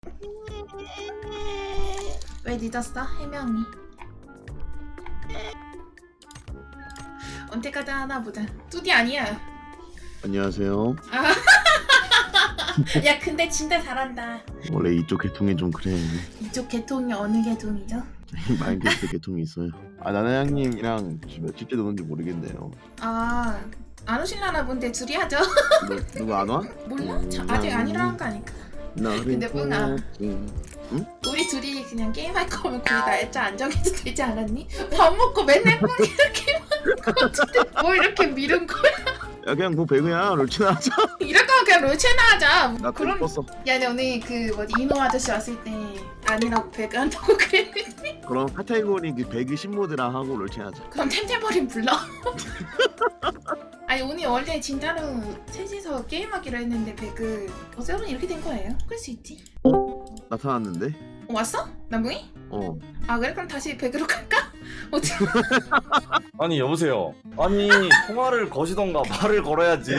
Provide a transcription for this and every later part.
왜 늦었어? 해명이. 언제까지 하나 보자. 뚜디 아니야. 안녕하세요. 야 근데 진짜 잘한다. 원래 이쪽 계통이 좀 그래. 이쪽 계통이 어느 계통이죠? 마인크래프트 계통이 있어요. 나나양님이랑 며칠째 노는지 모르겠네요. 아, 안 오실라나 본데 둘이 하죠? 누구 안 와? 몰라? 아직 안 일어난 거 아닐까? 근데 뿡아, 우리 둘이 그냥 게임할 거면 거기 날짜 안 정해도 되지 않았니? 밥 먹고 맨날 뿡이 이렇게 먹고 뭐 이렇게 미룬 거야? 야 그냥 뭐 배그야 롤치나 하자. 이럴 거면 그냥 롤체나 하자. 나 그럼 껐어. 야, 근데 오늘 그 뭐지 이노 아저씨 왔을 때 아니라고 배그 한다고 그랬는데 그럼 카테고리 그 배그 신모드랑 하고 롤치 하자. 그럼 템템버린 불러. 아니 오늘 원래 진짜로 셋이서 게임하기로 했는데 배그 어쩌면 이렇게 된 거예요. 그럴 수 있지. 나타났는데? 왔어? 남궁이? 어. 아 그래? 그럼 다시 배그로 갈까? 어떻게? 아니 여보세요. 아니 통화를 거시던가 말을 걸어야지.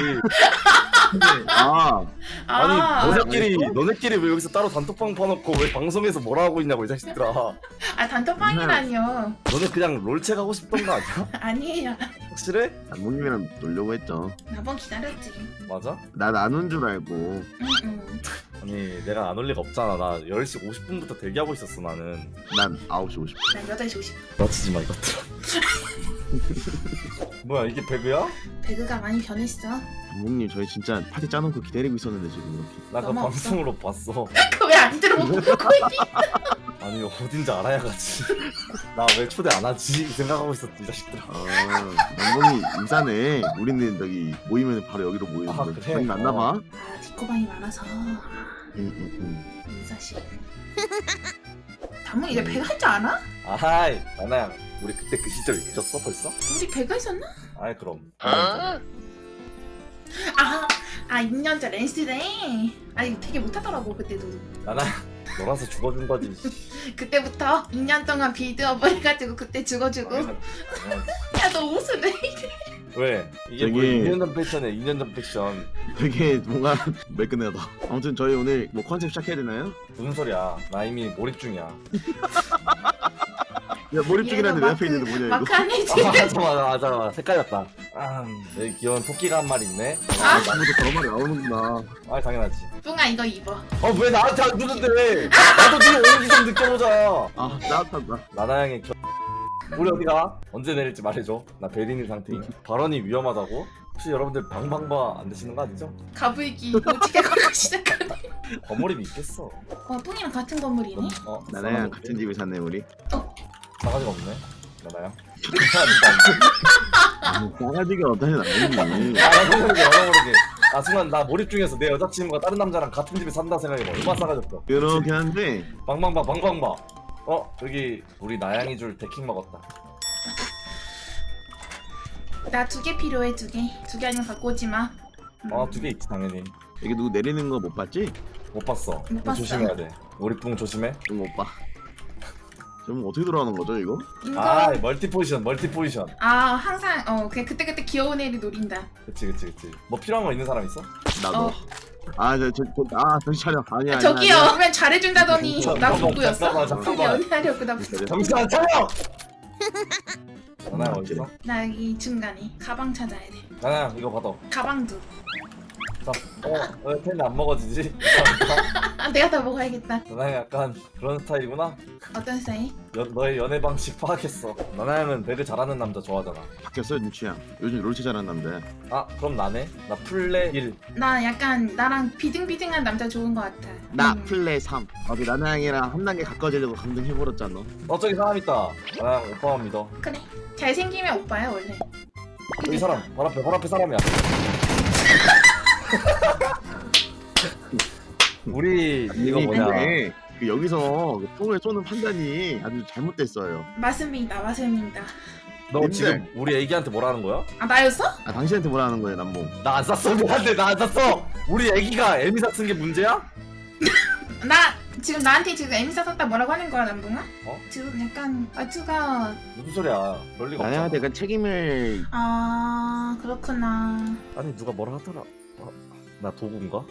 아 아니 너네끼리 알겠어? 너네끼리 왜 여기서 따로 단톡방 파놓고 왜 방송에서 뭐라 하고 있냐고 이 자식들아. 아 단톡방이라니요. 너네 그냥 롤체 가고 싶던 거 아니야? 아니에요. 확실해? 남봉님이랑 놀려고 했죠. 나번 기다렸지. 맞아? 난 안 온 줄 알고. 응. 아니 내가 안 올 리가 없잖아. 나 10시 50분부터 대기하고 있었어 나는. 난 9시 50분. 난 8시 50분. 맞히지 마 이것들아. 뭐야 이게 배그야? 배그가 많이 변했어. 남봉님 저희 진짜 파티 짜놓고 기다리고 있었는데 지금 이렇게. 나 그 너무 없어. 방송으로 봤어. 그거 왜 안 들어보고 있니? 아니 어딘지 알아야 가지. 나 왜 초대 안 하지? 생각하고 있었지 이 자식들아. 남봉이 인사네. 우리는 저기 모이면 바로 여기로 모이는데. 아, 그래? 저기 맞나봐. 아 디코방이 많아서 응. 인사씨. 담은 이제 배그 할 줄 아나? 아하이 나나야 우리 그때 그 시절 잊었어 벌써? 우리 배그 했었나? 아이 그럼. 아 2년 전 랜스데이. 아니 되게 못하더라고 그때도. 나나 놀아서 죽어준 거지. 그때부터 2년 동안 빌드업 해가지고 그때 죽어주고. 야 너 옷을 왜 이래? 왜? 이게 뭐 되게- 2년 전 패션이야 2년 전 패션. 되게 뭔가 매끈하다. 아무튼 저희 오늘 뭐 컨셉 시작해야 되나요? 무슨 소리야? 나 이미 몰입 중이야. 야 몰입 중이라는데 내 얘가 앞에 있는데 뭐냐 이거? 마크 안 해지. 맞아 헷갈렸다. 여기 귀여운 토끼가 한 마리 있네. 아무도 그런 말이 나오는구나. 아 당연하지. 뿡아 이거 입어. 왜 나한테 안 주는데? 나도 네 온기 좀 느껴보자. 아 따뜻하다. 나나양의 우리 어디가? 언제 내릴지 말해줘. 나 베리니 상태임. 발언이 위험하다고? 혹시 여러분들 방방바 안 되시는 거 아니죠? 가불기 오지게 걸고 시작하네. 거몰입이 있겠어. 뿡이랑 같은 건물이네. 나나랑 같은 집에 사네 우리. 싸가지가 없네. 나나양. 싸가지가 없다니 나는. 나도 모르게. 순간 나 몰입 중에서 내 여자친구가 다른 남자랑 같은 집에 산다 생각해봐. 얼마나 싸가졌어. 그렇긴 한데 방방바. 여기 우리 나양이 줄 데킹 먹었다. 나 2개 필요해 2개. 2개 아니면 갖고 오지 마. 2개 있지 당연히. 여기 누구 내리는 거 못 봤지? 못 봤어. 못 봤어. 조심해야 돼. 우리 뿡 조심해. 좀 못 봐. 그럼 어떻게 들어가는 거죠 이거? 이거 멀티 포지션. 아 항상 그냥 그때 귀여운 애를 노린다. 그치. 뭐 필요한 거 있는 사람 있어? 나도. 정신 차려. 아니야. 저기요 그러면 잘해준다더니 나 잠깐만, 보고였어. 잠깐만. 연애하려고 나 보고. 정신 차려! 나나야 어딨어? 나 여기 중간에 가방 찾아야 돼. 나나야 이거 받아. 가방도. 자, 왜 텐데 안 먹어지지? 아 내가 다 먹어야겠다. 나나야 약간 그런 스타일이구나? 어떤 스타일? 너의 연애 방식 파악했어. 나나야는 배그 잘하는 남자 좋아하잖아. 바뀌었어 눈치야. 요즘 롤치 잘하는 남자야. 그럼 나네? 나 플레 1. 나 약간 나랑 비등비등한 남자 좋은 것 같아. 나 플레 3. 어디 나나양이랑 한 단계 가까워지려고 감동해버렸잖아. 저기 사람 있다. 나나야 오빠만 믿어. 그래. 잘생기면 오빠야 원래. 여기 사람 바로 앞에 사람이야. 우리 이거 뭐냐? 근데 그 여기서 그 총을 쏘는 판단이 아주 잘못됐어요. 맞습니다. 너 님들. 지금 우리 애기한테 뭐라는 거야? 아 나였어? 당신한테 뭐라 하는 거예요 남봉? 나 안 쐈어. 미안해 나 안 쐈어. 우리 애기가 에미사 쓴 게 문제야? 나 지금 나한테 지금 에미사 샀다 뭐라고 하는 거야 남봉아? 어? 지금 약간 말투가 무슨 소리야? 그럴 리가 없잖아. 나나양한테 약간 책임을 아 그렇구나. 아니 누가 뭐라 하더라. 나 도구인가?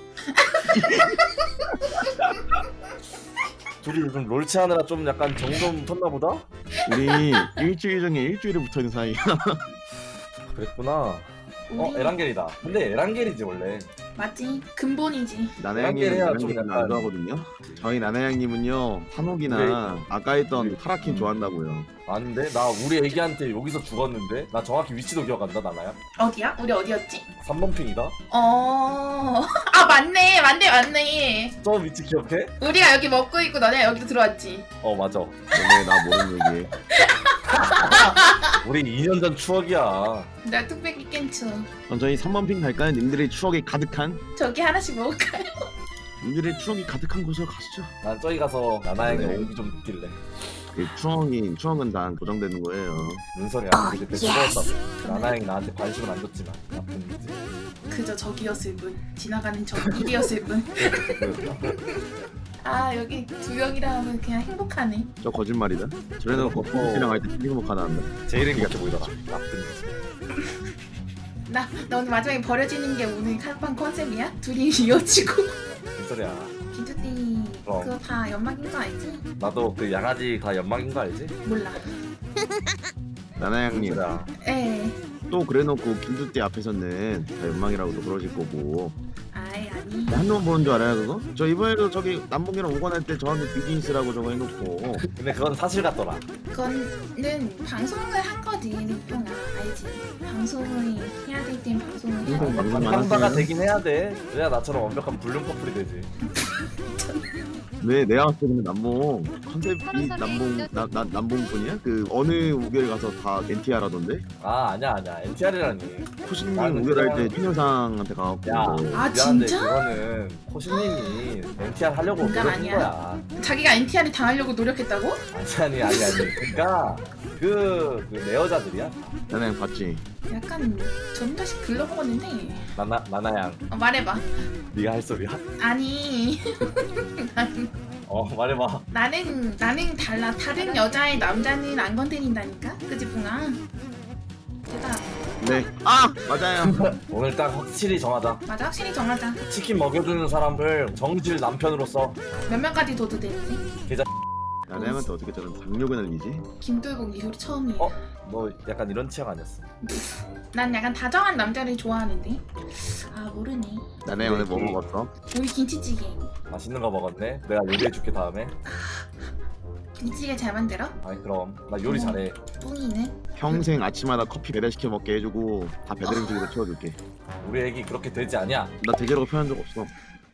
둘이 요즘 롤치 하느라 좀 약간 정좀 텄나 보다? 우리 일주일 중에 일주일에 붙어있는 사이야. 그랬구나. 우리 에란겔이다. 근데 에란겔이지 원래. 맞지? 근본이지. 에란겔 해야 좀 나나양님은 약간- 안 좋아하거든요. 저희 나나양님은요 한옥이나 아까 했던 파라킨 좋아한다고요. 아닌데? 나 우리 애기한테 여기서 죽었는데? 나 정확히 위치도 기억한다 나나야? 어디야? 우리 어디였지? 3번 핑이다? 아 맞네. 저 위치 기억해? 우리가 여기 먹고 있고 너네 여기도 들어왔지. 맞아. 원래 나 모르는 얘기. 우리 2년 전 추억이야. 나 뚝배기 깬추. 그럼 저희 3번 핑 갈까요? 님들의 추억이 가득한 저기 하나씩 먹을까요? 님들의 추억이 가득한 곳으로 가시죠. 난 저기 가서 나나양의 네. 온기 좀 느낄래. 그 추억은 다 고정되는 거예요. 무슨 소리야? 우리 그때 죽었다고. 나나양이 나한테 관심을 안 줬지만 나쁜 거지. 그저 저기였을 뿐. 지나가는 저 일이었을 뿐. 아 여기 두 명이라 하면 그냥 행복하네. 저 거짓말이다. 저래도 거꾸로랑 할때 피리목 하나 한다. 제일 행복해 보이더라. 나쁜 거지. 나 오늘 마지막에 버려지는 게 오늘 칸방 컨셉이야? 둘이 이어지고. 무슨 소리야? 김주띠 그거 다 연막인 거 알지? 나도 그 양아지 다 연막인 거 알지? 몰라. 나나양님 그래. 에. 또 그래놓고 김두띠 앞에서는 다 연망이라고도 그러실 거고. 아이 아니. 한번 보는 줄 알아요 그거? 저 이번에도 저기 남봉이랑 오관할 때 저한테 비즈니스라고 저거 해놓고 근데 그건 사실 같더라. 그거는 방송을 한 거지 뽕아 알지? 방송을 해야 될 땐 방송을 해야 돼. 방송만 방방바가 하세요. 되긴 해야 돼. 그래야 나처럼 완벽한 불륜 커플이 되지. 왜 내가 봤을 때는 남봉 컨셉이 남봉뿐이야? 그 어느 우결 가서 다 NTR 하던데? 아니야 NTR이라니. 코신님 나는 우결할 때 그냥- 신효상한테 가갖고 야. 아 미안한데 진짜? 그거는 코시님이 NTR 하려고 인간 노력한 아니야. 거야. 자기가 NTR을 당하려고 노력했다고? 아니. 그러니까 내 여자들이야. 나나양 봤지? 약간 전다시 글러먹었는데 나나양. 말해봐. 네가 할 소리야? 아니 말해봐. 나는 달라. 다른 여자의 남자는 안 건드린다니까? 그지 뿡아? 대답. 네. 아! 맞아요. 오늘 딱 확실히 정하자. 맞아 확실히 정하자. 치킨 먹여주는 사람을 정실 남편으로서. 몇 명까지 둬도 되는지? 나나양한테 어떻게 저런 당뇨가 날리지? 김돌복 이후로 처음이야. 너 약간 이런 취향 아니었어? 난 약간 다정한 남자를 좋아하는데. 아 모르네. 나나양 오늘 뭐 먹었어? 우리 김치찌개. 맛있는 거 먹었네. 내가 요리해줄게 다음에. 김치찌개 잘 만들어? 아니 그럼 나 요리 잘해. 뿡이는? 평생 아침마다 커피 배달시켜 먹게 해주고 다 배달 음식으로 채워줄게. 우리 애기 그렇게 되지 않냐? 나 대결하고 표현한 적 없어.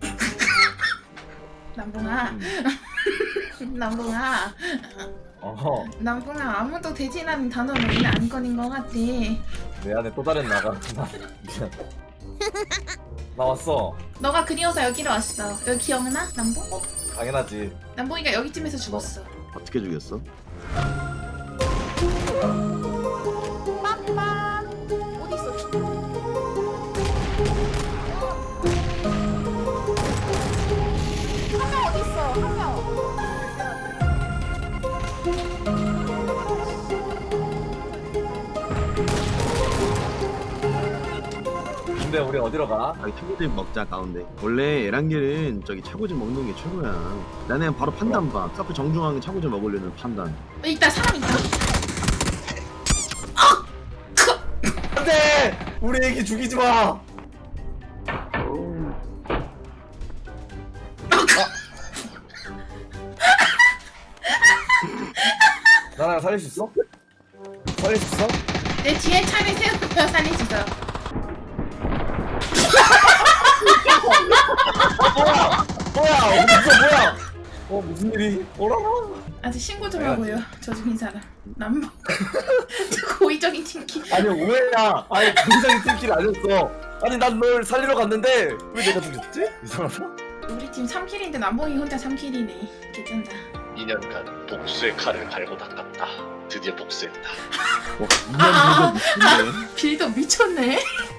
남봉아. 남봉아. 남봉아 아무도 대신하는 단어는 우리는 안 꺼낸 것 같아. 내 안에 또 다른 나가. 미안. 나 왔어. 너가 그리워서 여기로 왔어. 여기 기억나? 남봉? 당연하지. 남봉이가 여기쯤에서 죽었어. 어떻게 죽였어? 빠빠. 어디 있어? 한 명 어디 있어? 한 명. 근데 우리 어디로 가? 아니 차고집 먹자 가운데. 원래 에란겔은 저기 차고집 먹는 게 최고야. 나는 그냥 바로 판단 봐. 서프 정중앙에 차고집 먹으려는 판단. 있다 사람 있다. 안돼! 우리 애기 죽이지 마. 나랑 살릴 수 있어? 살릴 수 있어? 내 뒤에 차를 세우고 살릴 수 있어. 뭐야? 뭐야? 무슨 일이? 어라라? 아직 신고 좀 하고요. 저 죽인 사람. 남봉. 저 고의적인 팀키. 아니 오해야. 아니 굉장히 팀킬 아니었어. 아니 난 널 살리러 갔는데 왜 내가 죽였지? 이상하다. 우리 팀 3킬인데 남봉이 혼자 3킬이네. 괜찮다. 2년간 복수의 칼을 갈고 닦았다. 드디어 복수했다. 와 2년 전에 미친데. 빌더 미쳤네.